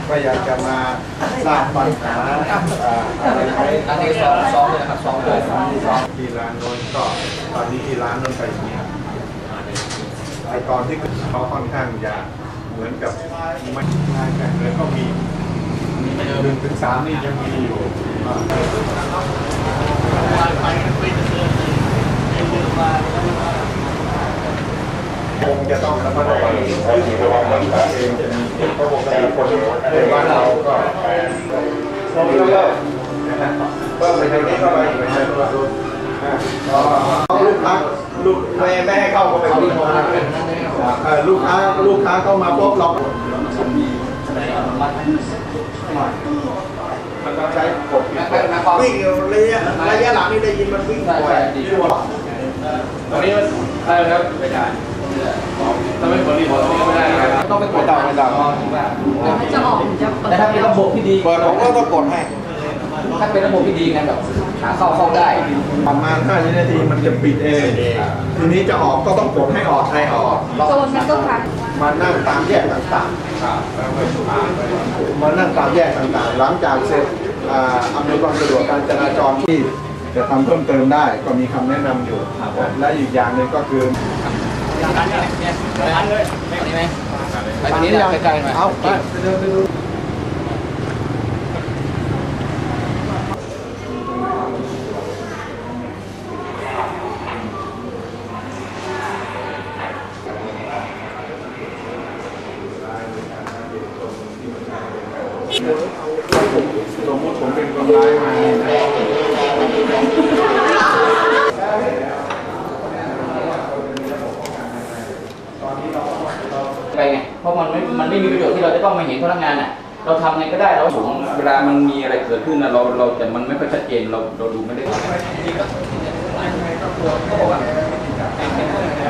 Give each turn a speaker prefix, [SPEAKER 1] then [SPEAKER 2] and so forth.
[SPEAKER 1] ก็อยากจะมาสร้างปัญหาอะไรไหม
[SPEAKER 2] อันนี้ซ้อมเลยนะครับซ้อมเลย
[SPEAKER 1] ที่ร้านโน้นก็ตอนนี้ที่ร้านโน้นไปเงียบไอตอนที่เขาค่อนข้างจะเหมือนกับไม่ง่ายกันเลยก็มี1 ถึง 3นี่ยังมีอยู่คงจะต้องระมัดระวังระวังมันเองจะมีเพราะปกติคนในบ้านเราก็เพิ่มไปทางนี้เข้าไปไปทางนู้นลูกค้าลูกแม่ให้เข้าก็ไปวิ่งมาลูกค้าเข้ามาปุ๊บเรามันต้องใช้กดวิ่งระยะหลังนี่ได้ยินมันวิ่งบ่อยตอนนี้ได้ครับไม่ได้ถ้าไม่กดรีโมทตรงนี้ไม่ได้ครับต้องไปกดดาวไม่ได้
[SPEAKER 3] จะออกจะเปิด
[SPEAKER 2] แต่ถ้าเป็นระบบที่ดี
[SPEAKER 1] เปิดผมก็ต้องกดให้
[SPEAKER 2] ถ้าเป็นระบบที่ดีไงแบบขาเข้าได้
[SPEAKER 1] ประมาณ5 นาทีมันจะปิดเองทีนี้จะออกก็ต้องกดให้ออกให้ออก
[SPEAKER 3] โซนนั้นก็ค่ะ
[SPEAKER 1] มานั่งตามแยกต่างๆมานั่งตามแยกต่างๆหลังจากเสร็จอำนวยความสะดวกการจราจรที่จะทำเพิ่มเติมได้ก็มีคำแนะนำอยู่และอีกอย่างหนึ่งก็คือ
[SPEAKER 2] ร้านนี้ร้านเลยนี่ไหมไปตรงนี้ใกล้ๆหน่อย
[SPEAKER 1] เอาไปเดินไปดูสมมติผมเป็นคนร้ายมา
[SPEAKER 2] ไปไงเพราะมันไม่มีประโยชน์ที่เราจะต้องมาเห็นพนักงานอ่ะเราทำไงก็ได้เราถึงเวลามันมีอะไรเกิดขึ้นนะเราแต่มันไม่ค่อยชัดเจนเราดูไม่ได้